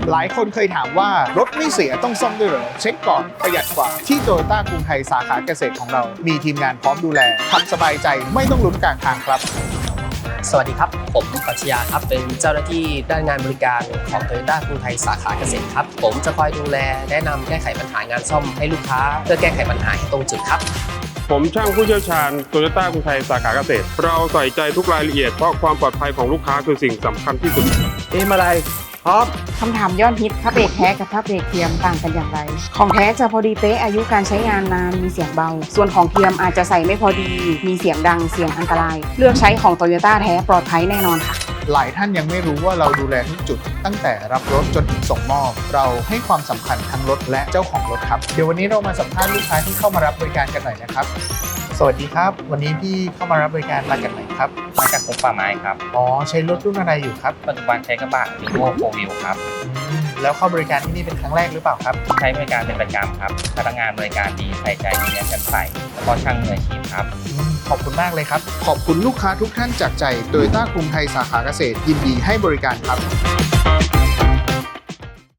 หลายคนเคยถามว่ารถไม่เสียต้องซ่อมด้วยเหรอเช็คก่อนประหยัดกว่าที่โตโยต้ากรุงไทยสาขาเกษตรของเรามีทีมงานพร้อมดูแลทำสบายใจไม่ต้องลุ้นกลางทางครับสวัสดีครับผมปรัชญาครับเป็นเจ้าหน้าที่ด้านงานบริการของ Toyota กรุงไทยสาขาเกษตรครับผมจะคอยดูแลแนะนำแก้ไขปัญหางานซ่อมให้ลูกค้าเพื่อแก้ไขปัญหาให้ตรงจุดครับผมช่างผู้เชี่ยวชาญโตโยต้ากรุงไทยสาขาเกษตรเราใส่ใจทุกรายละเอียดเพราะความปลอดภัยของลูกค้าคือสิ่งสำคัญที่สุดอะไรพร้อมคำถามยอดฮิตพระเบรกแท้กับพระเบรกเทียมต่างกันอย่างไรของแท้จะพอดีเป๊ะอายุการใช้งานนานมีเสียงเบาส่วนของเทียมอาจจะใส่ไม่พอดีมีเสียงดังเสียงอันตรายเลือกใช้ของโตโยต้าแท้ปลอดภัยแน่นอนค่ะหลายท่านยังไม่รู้ว่าเราดูแลทุกจุดตั้งแต่รับรถจนถึงส่งมอบเราให้ความสำคัญทั้งรถและเจ้าของรถครับเดี๋ยววันนี้เรามาสัมภาษณ์ลูกค้าที่เข้ามารับบริการกันหน่อยนะครับสวัสดีครับวันนี้พี่เข้ามารับบริการมาจากไหนครับมาจากกรมป่าไม้ครับอ๋อใช้รถรุ่นอะไรอยู่ครับปัจจุบันใช้กระบะวีโว่4 Wheel ครับแล้วเข้าบริการที่นี่เป็นครั้งแรกหรือเปล่าครับใช้บริการเป็นประจำครับพนักงานบริการดีใส่ใจมีเรียนกันใส่แล้วก็ช่างมืออาชีพครับขอบคุณมากเลยครับขอบคุณลูกค้าทุกท่านจากใจโตโยต้ากรุงไทยสาขาเกษตรยินดีให้บริการครับ